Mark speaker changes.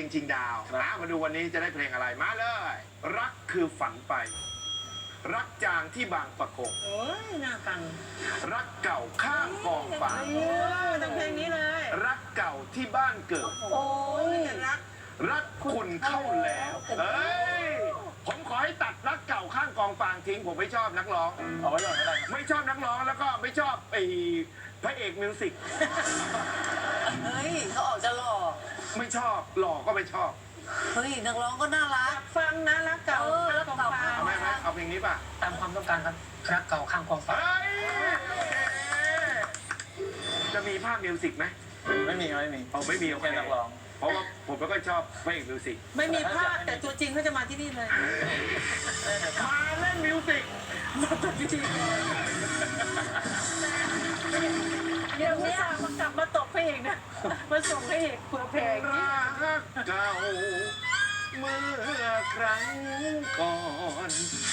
Speaker 1: ชิงดาวมาดูวันนี้จะได้เพลงอะไรมาเลย รักคือฝันไป รักจางที่บางปะกง
Speaker 2: โอ้ยน่าฟัง
Speaker 1: รักเก่าข้างกองฟาง
Speaker 2: ต้องเพลงนี้เลย
Speaker 1: รักเก่าที่บ้านเกิด
Speaker 2: โอ้ยรัก
Speaker 1: รักคุณเข้าแล้วเอ้ยผมขอให้ตัดรักเก่าข้างกองฟางทิ้งผมไม่ชอบนักร้อง
Speaker 3: เอาไว้ก่อนก็ได้
Speaker 1: ไม่ชอบนักร้องแล้วก็ไม่ชอบไอ้พระเอกมิวสิก
Speaker 4: เฮ้ยเขาออกจะหล่อ
Speaker 1: ไม่ชอบหล่อก็ไม่ชอบ
Speaker 4: เฮ้ยนักร้องก็น่ารัก
Speaker 2: ฟังนะรักเก่า
Speaker 4: รักเก่า
Speaker 1: เอาไหมเอาเพลงนี้ป่ะ
Speaker 3: ตามความต้องการครับรักเก่าข้างกองฟ้า
Speaker 1: เฮ้ยจะมีภาพมิวสิกไหม
Speaker 3: ไม่มีครับไม่มี
Speaker 1: เอาไม่มีโอเค
Speaker 3: แค่นักร้อง
Speaker 1: เพราะว่าผมไม่ค่อยชอบพระเอกมิวสิก
Speaker 2: ไม่มีภาพแต่ตัวจริงเขาจะมาที่นี่เลย
Speaker 1: มาเล่นมิวสิก
Speaker 2: มาตัวจริงเดี๋ยวนี้มากลับมาตบพระเอกนะมาส่งพระเอกเผื่อเพลง
Speaker 1: รักเก่าเมื่อครั้งก่อน